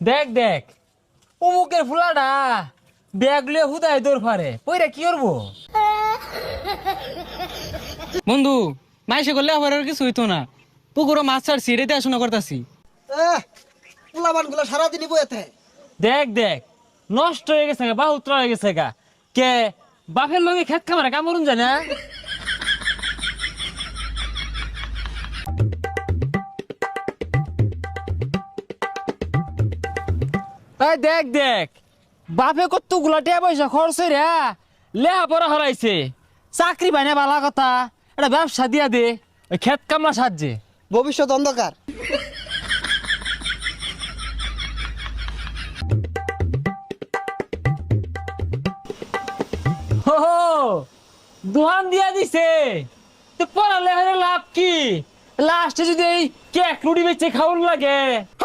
দেখ দেখ অমুকের ফুলাটা ব্যাগ লিয়ে হুদায় দৌড় পারে ওইটা কি করবো? বন্ধু মাইসে করলে আবার আর কিছু হইতো না। পুকুরও মাছ ছাড়ছি, রেতে আসনা করতাছি। পোলাবান গুলো সারাদিনই বইতে। দেখ দেখ নষ্ট হয়ে গেছে গা, বাহুত্র হয়ে গেছে গা। কে বাপের লগে খেত খামারে কামড়ুন যায় না? এই দেখ দেখ বাপে কত গুলাটিয়া পয়সা খরচ রে লেহা পড়া হরাইছে, চাকরি বাইনা বালা কথা, একটা ব্যবসা দিয়া দে ওই খেত কামলা সাহায্যে। ভবিষ্যৎ অন্ধকার। হো দোহান দিয়া দিছে, তো পড়ালে লাভ কি? লাস্টে যদি এই কেক রুটি বেচে খাওয়ার লাগে